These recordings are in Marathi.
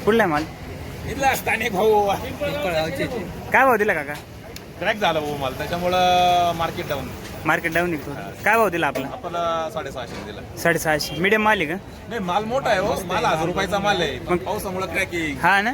कुठला आहे माल? इथला स्थानिक भाऊ काय भाव दिला काका? क्रॅक झाला भाऊ माल, त्याच्यामुळं मार्केट डाऊन. मार्केट डाऊन निघतो. काय भाव दिला आपला? आपल्याला 650 दिला. 650. मीडियम माल आहे का? नाही, माल मोठा आहे हो, माल 1000 रुपयाचा माल आहे, पण पावसामुळे क्रॅकिंग. हा ना,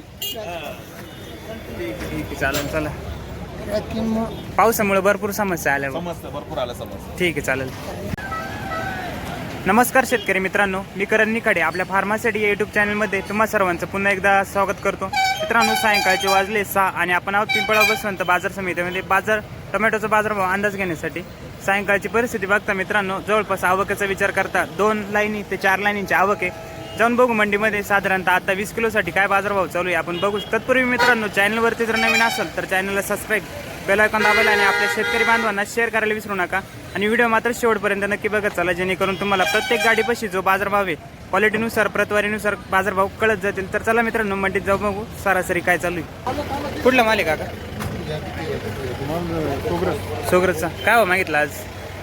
चालेल. चला, पावसामुळे भरपूर समस्या आल्या. समजतं, भरपूर आलं समजतं. ठीक आहे, चालेल. नमस्कार शेतकरी मित्रांनो, मी करण निखाडे आपल्या फार्मासिटी या यूट्यूब चॅनलमध्ये तुम्हा सर्वांचं पुन्हा एकदा स्वागत करतो. मित्रांनो, सायंकाळचे वाजले 6 आणि आपण आहोत पिंपळगाव बसवंत बाजार समितीमध्ये टोमॅटोचा बाजारभाव अंदाज घेण्यासाठी. सायंकाळची परिस्थिती बघता मित्रांनो, जवळपास आवकेचा विचार करता 2 लाईनी ते 4 लाईनींची आवक आहे. जाऊन बघू मंडीमध्ये साधारणतः आता 20 किलोसाठी काय बाजारभाव चालू आहे आपण बघू. तत्पूर्वी मित्रांनो, चॅनलवरती जर नवीन असेल तर चॅनलला सबस्क्राईब, बेल आयकॉन दाबायला आणि आपल्या शेतकरी बांधवांना शेअर करायला विसरू नका. आणि व्हिडिओ मात्र शेवटपर्यंत नक्की बघत चला, जेणेकरून तुम्हाला प्रत्येक गाडीपाशी जो बाजारभाव आहे क्वालिटीनुसार प्रतवारीनुसार बाजारभाव कळत जातील. तर चला मित्रांनो, मंडीत जाऊ बघू सरासरी काय चालू आहे. कुठला माल आहे काका? सोगरसचा. काय भाव मागितला आज?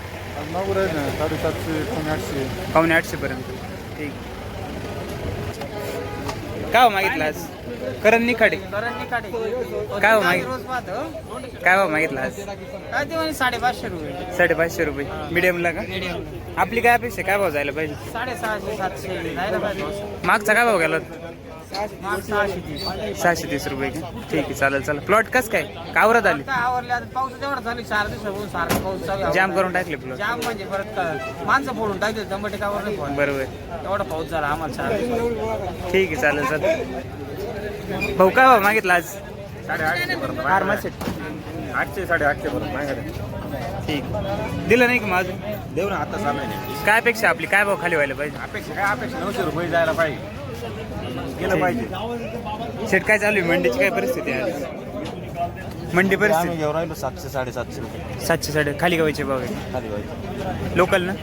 750 पावणे 800 पर्यंत. ठीक. काय भाव मागितला आज? करण निखाडे. काय भाव मागितला आज? 550 रुपये. 550 रुपये. मीडियमला का? आपली काय अपेक्षा, काय भाव जायला पाहिजे? 650 700 जायला पाहिजे. मागचा काय भाव गेला? 630. 630 रुपये का? ठीक आहे, चालेल. चला, प्लॉट कस काय कावरत आली? काय आवरले आता, पाऊस तेवढा चालू 4 दिवसापासून सारखा पाऊस चालू आहे. जाम करून टाकले प्लॉट. जाम म्हणजे परत माणसं फोडून टाकले, टमाटे कावर नाही फोडले. बरोबर. एवढा पाऊस झाला आम्हाला 4 दिवस. ठीक आहे, चालेल. भाऊ काय भाव मागितला आज? 850 पर्यंत. फार्मासिट 800 850 पर्यंत मागायला. ठीक. दिलं नाही का मग अजून? देऊ ना, आता चालू आहे. काय अपेक्षा आपली, काय भाव खाली व्हायला पाहिजे? अपेक्षा काय, अपेक्षा 900 रुपये जायला पाहिजे, गेलं पाहिजे. शेट काय चालू आहे? मंडीची काय परिस्थिती आहे आज? मंडी आम्ही परिस्थिती घेऊन राहिलो 700 750 रुपये 700 खाली गावाचे भाव आहे. खाली पाहिजे. लोकल ना?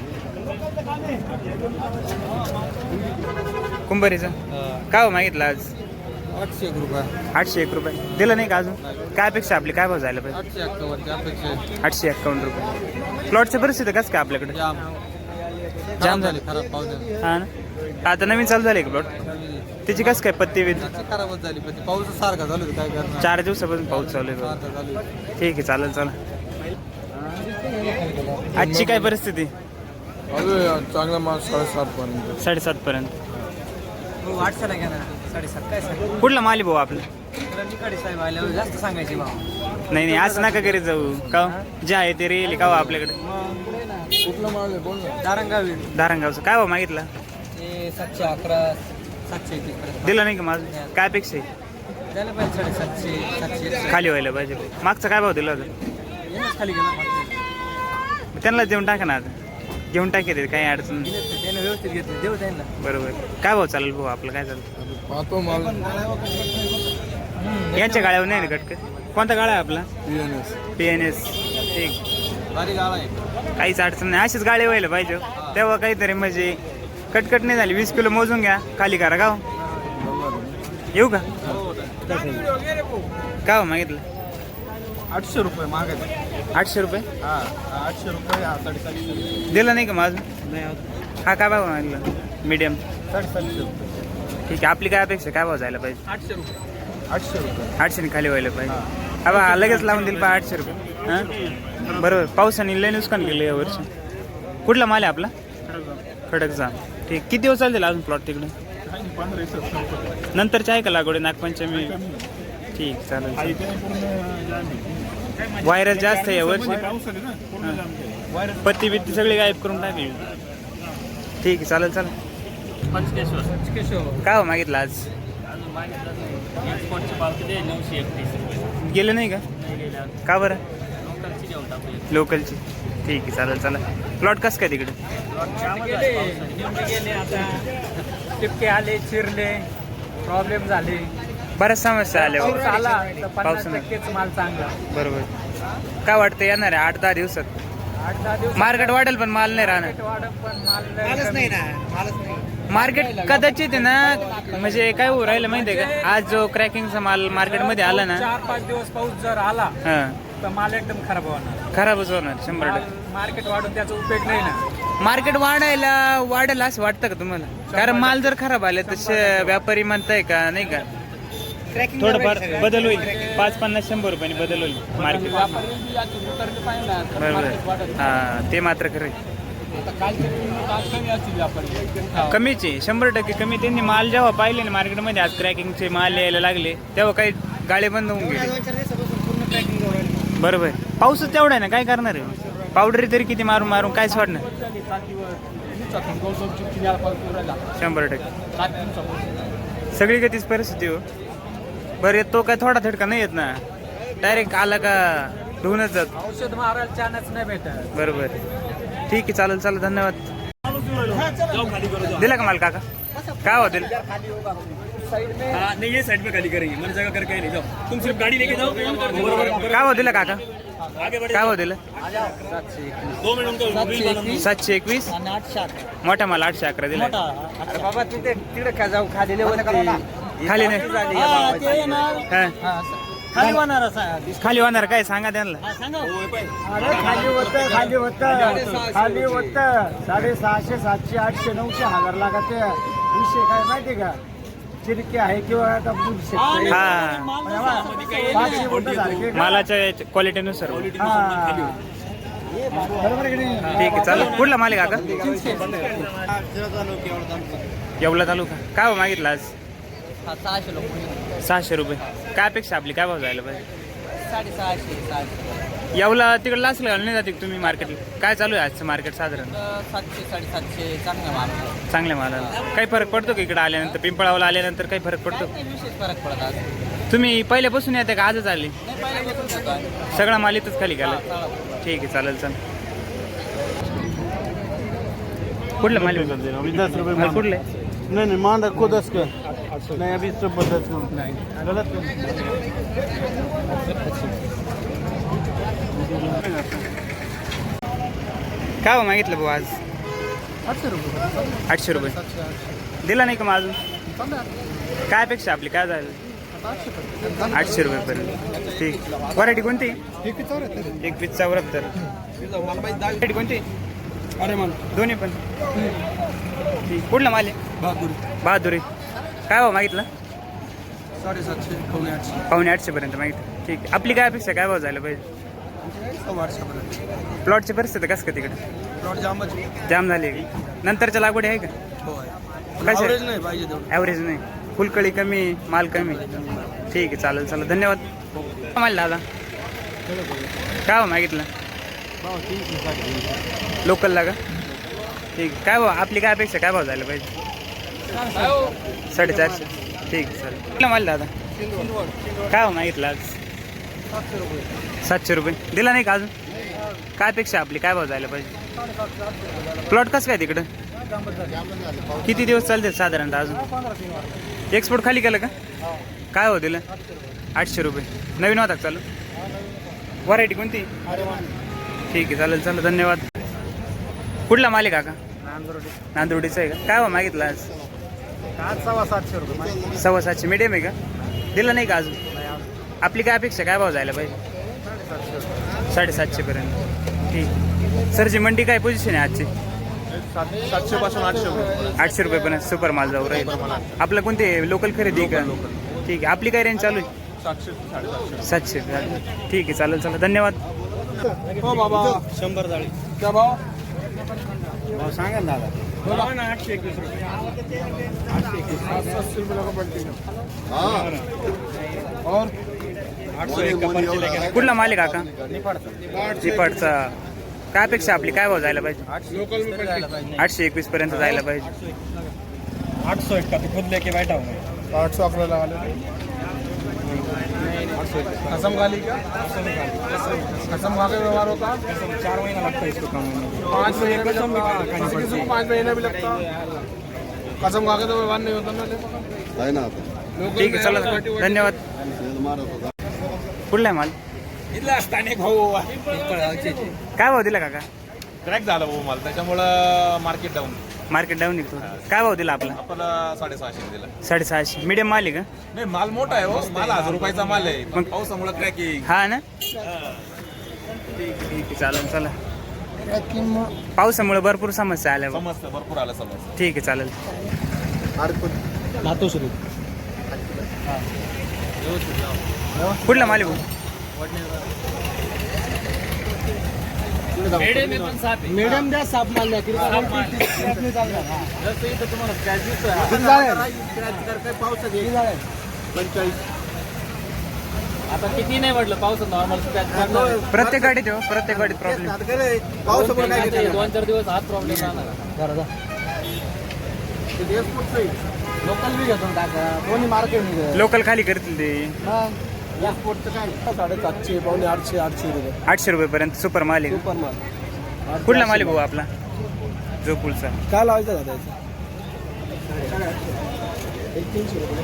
कुंभारीचा काय भाव मागितला आज? 800 रुपये. 801 रुपये. दिलं नाही का अजून? काय अपेक्षा आपली, काय भाव जायला पाहिजे? 851 851 रुपये. प्लॉटची परिस्थिती कसं काय आपल्याकडे? जाम झाली. खराब पाऊस हा ना, आता नवीन चालू झाली का प्लॉट? त्याची कसं काय पत्ती विधी? खराबच झाली, पण पाऊस सारखा चालू काय करणार. 4 दिवसापासून पाऊस चालू आहे. ठीक आहे, चालेल. चला, आजची काय परिस्थिती? चांगला माल 7.5 पर्यंत. 7.5 पर्यंत. 800 घ्या ना. 7.5 काय सांग. कुठला माल आहे भाऊ आपला? निखाडे साहेब आल्यावर जास्त सांगायचे भाव. नाही असं नका करीत जाऊ का, जे आहे ते रेल का आपल्याकडे. कुठला माल आहे बोल ना. दारंगावी. धारणगावचं काय भाव मागितला? ते 711 731. दिलं नाही का माझं? काय अपेक्षा आहे? द्यायला पाहिजे 750 700 खाली व्हायला पाहिजे. मागचा काय भाव दिला होता? येणंच खाली गेलं. त्यांना देऊन टाका ना, आता घेऊन टाके ते, काही अडचण नाही. त्यानं व्यवस्थित घेतलं, देऊ त्यांना. बरोबर. काय भाव चालेल भाऊ आपलं, काय चालेल? पाहतो माल. यांच्या गाळ्यावर नाही ना कटक? कोणता गाळा आहे आपला? PNS. ठीक. भारी गाव आहे. काहीच अडचण नाही, अशीच गाडी व्हायला पाहिजे तेव्हा काहीतरी म्हणजे कटकट नाही झाली. 20 किलो मोजून घ्या, खाली करा. गाव येऊ का? काय भाव मागितलं? 800 रुपये मागायचे. 800 रुपये. 800 रुपये. 750 दिलं नाही का माझं? नाही. हा काय भाव मागितलं? मीडियम. 750 रुपये. ठीक आहे, आपली काय अपेक्षा, काय भाव जायला पाहिजे? 800 रुपये. 800 रुपये. 800 खाली व्हायला पाहिजे. हा बा, लगेच लावून दिल 800 रुपये. हां, बरोबर. पावसाने लय नुकसान केलं यावर्षी. कुठला माल आहे आपला? खडकचा. ठीक. किती दिवस चालतील अजून प्लॉट तिकडे? 15 नंतरची आहे का लागवड? नागपंचमी. ठीक, चालेल. व्हायरस जास्त आहे यावर्षी. पत्ती बित्ती सगळी गायब करून टाकली. ठीक आहे, चालेल. काय हो मागितलं आज? गेलं नाही का बरं? लोकलची. ठीक आहे, चालेल. चला, प्लॉट कसं काय तिकडे? टिपके आले, चिरले, प्रॉब्लेम झाले, बऱ्याच समस्या आल्या आला तर पावसाने. 50% माल चांगला. बरोबर. काय वाटतं येणार आहे 8-10 दिवसात? 8-10 दिवस मार्केट वाढेल पण माल नाही राहणार. वाढत, पण मालच नाही ना. मार्केट कदाचित आहे ना, म्हणजे काय होऊ राहिलं माहिती आहे का, आज जो क्रॅकिंगचा माल मार्केटमध्ये आला ना, 4-5 दिवस पाऊस जर आला तर माल एकदम खराब होणार. खराबच होणार 100%. मार्केट वाढून त्याचा उपयोग नाही ना. मार्केट वाढेल असं वाटतं का तुम्हाला? कारण माल जर खराब आले तर व्यापारी म्हणताय का नाही का थोडंफार बदल होईल 5-50-100 रुपयांनी बदल होईल मार्केट बरोबर हा ते मात्र खरं आहे. कमीच आहे 100% कमी. त्यांनी माल जेव्हा पाहिले ना मार्केटमध्ये आज क्रॅकिंगचे माल यायला लागले तेव्हा काही गाळे बंद होऊन गेले. बरोबर पाऊसच तेवढा आहे ना काय करणार आहे. पावडरी तरी किती मारून मारून काय सोडणार 100% सगळी तीच परिस्थिती हो. बरं येतो काय थोडा थडका नाही येत ना डायरेक्ट आला का धुवूनच जात. औषध मारायला चान्स नाही भेटत. बरोबर ठीक आहे चालेल चालेल धन्यवाद. दिला का माल काका काय हो दिल नहीं ये साइड में खाली करेंगे मैंने जगह करके नहीं जाओ तुम सिर्फ गाड़ी लेके जाओ काय हो दिला काका काय हो दिलं 2 मिनट उनको 721 मोठा माल 811 दिला अरे बाबा तिकडे का जाऊ खाली खाली नाही हा. खाली होणार खाली होणार काय सांगा त्यांना खाली होतं 650, 700, 800, 900 लागत विषय काय माहिती का चिरके आहे किंवा आता हा मालाच्या क्वालिटीनुसार बरोबर की नाही. ठीक आहे चालेल. कुठला माल आहे काका येवला तालुका काय भाव मागितला आज 600 रुपये. काय अपेक्षा आपली काय भाव जायला पाहिजे 650, येवला तिकडला असलं नाही जाते तुम्ही मार्केटला काय चालू आहे आजचं मार्केट साधारण 700, 750 चांगला माल चांगल्या मालाला काही फरक पडतो का इकडे आल्यानंतर पिंपळावला आल्यानंतर काही फरक पडतो विशेष फरक पडत आज तुम्ही पहिल्यापासून येते का आजच आले नाही पहिल्यापासून सगळा माल इथंच खाली गेला ठीक आहे चालेल चालेल. कुठलं माल आहे? 10 रुपये माल कुठलं आहे? नहीं मान रखो 10 का नहीं अभी सब 10 का नहीं गलत काय हो मागितलं भाऊ आज 800 रुपये दिला नाही का मग अजून काय अपेक्षा आपली काय झालं 800 रुपयेपर्यंत ठीक. व्हरायटी कोणती 2174 व्हरायटी कोणती अरे मान दोन्ही पण ठीक. कुठला माल आहे बहादुरी काय भाव मागितलं 750 850 पर्यंत मागितलं ठीक आहे. आपली काय अपेक्षा काय भाव झालं पाहिजे प्लॉटची परिस्थिती कसं का तिकडे जाम झाली आहे का? नंतरच्या लागवडी आहे का कशा नाही पाहिजे ॲव्हरेज नाही फुलकळी कमी माल कमी ठीक आहे चालेल चालेल धन्यवाद. माल दादा काय भाव मागितलं लोकलला का ठीक. काय भाव आपली काय अपेक्षा काय भाव झालं पाहिजे 450 ठीक चालेल. कुठला माल दादा काय भाव मागितलं आज 700 रुपये दिला नाही का अजून काय अपेक्षा आपली काय भाव जायला पाहिजे प्लॉट कसं काय तिकडं किती दिवस चालते साधारणतः अजून एक्सपोर्ट खाली केलं का काय हो दिलं 800 रुपये नवीन होता का चालू व्हरायटी कोणती ठीक आहे चालेल चालेल धन्यवाद. कुठला माल आहे काका नांदुर्डीचा आहे का काय भाव मागितला आज 700 रुपये 750 मीडियम आहे का दिला नाही का अजून आपली काय अपेक्षा काय भाव जायला पाहिजे 750 पर्यंत ठीक. सरची मंडी काय पोझिशन आहे आजची 700 पासून 800 रुपये पण सुपर माल जाऊ राहील. आपलं कोणते लोकल खरेदी का ठीक आहे. आपली काय रेंज चालू आहे 700 ठीक आहे चालेल चालेल धन्यवाद. हो बाबा 100 जाळी क्या भाव सांगा ना दादा 821 रुपये 821 रुपये पड़ती और 801 कुठला माल आहे काका निपाडचा काय अपेक्षा आपली काय भाव जायला पाहिजे लोकल में पड़ती 821 पर्यंत जायला पाहिजे 801 का तो खुद लेके बैठा हूँ 800 आपने लगा लिया कसम गाली का कसम खा के व्यवहार होता 4 महीना लगता है इसको कम 5 महीने कसम 5 महीना भी लगता कसम खा के तो व्यवहार नहीं होता ना है ना ठीक आहे चला धन्यवाद. कुठला आहे माल इथला स्थानिक भाऊ काय भाव दिला काका क्रॅक झाला भाऊ माल त्याच्यामुळं मार्केट डाऊन मार्केट डाऊन निघतो काय भाव दिला आपला आपला 650 दिला 650 मीडियम माल आहे का नाही माल मोठा आहे हो माल 1000 रुपयाचा माल आहे पण पावसामुळे क्रॅकिंग हा ना ठीक आहे चालेल चला पावसामुळे भरपूर समस्या आल्या समजतं भरपूर आलं समज ठीक आहे चालेल. मातोश्री कुठला माल आहे भाऊ? मीडियम द्या साप माल द्या किती आता किती नाही म्हटलं पावसात नॉर्मल प्रत्येक गाडीत हो, प्रत्येक गाडीत प्रॉब्लेम. 2-4 दिवस हात प्रॉब्लेम राहणार. लोकल बी घेतो टाका कोणी मार्केट लोकल खाली करतील ते एक्सपोर्टचं काय 750 पावणे 800 रुपये 800 रुपये पर्यंत सुपर माल आहे. सुपर माल कुठला माल आहे भाऊ आपला? जो पुलचा. काय लावायचं दादा 300 रुपये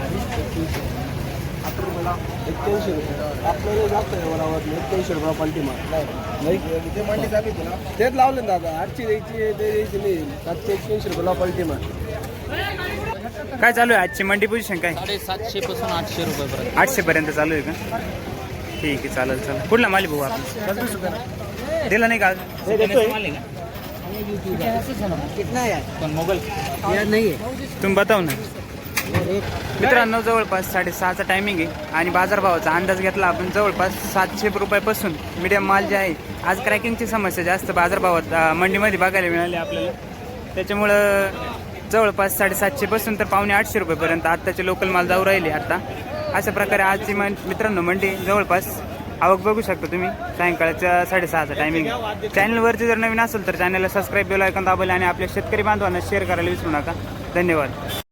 81 रुपये आपल्याला जास्त आहे बरोबर 81 रुपये पलटी माल नाही ते मंडी चालू होती ना तेच लावले ना दादा 800 द्यायची ते द्यायची नाही 781 रुपये पलटी माल. काय चालू आहे आजची मंडी पोझिशन काय? 750 पासून 800 रुपये पर्यंत. 800 पर्यंत चालू आहे का? ठीक आहे, चालेल चालेल. कुठला माल आहे भाऊ आपला? दिला नाही का आज? कितना है पण मोगल यार नहीं है तुम्ही बताव ना. मित्रांनो जवळपास 6:30चा टायमिंग आहे आणि बाजारभावाचा अंदाज घेतला आपण जवळपास 700 रुपयापासून मीडियम माल जे आहे. आज क्रॅकिंगची समस्या जास्त बाजारभावात मंडीमध्ये बघायला मिळाली आपल्याला. त्याच्यामुळं जवळपास 750 पासून तर पावणे 800 रुपयेपर्यंत आत्ताचे लोकल माल जाऊ राहिले आता. अशा प्रकारे आजची मित्रांनो मंडी जवळपास आवक बघू शकता तुम्ही. सायंकाळच्या 6:30चा टायमिंग. चॅनलवरती जर नवीन असेल तर चॅनलला सबस्क्राईब बेल आयकॉन दाबायला आणि आपल्या शेतकरी बांधवांना शेअर करायला विसरू नका. धन्यवाद.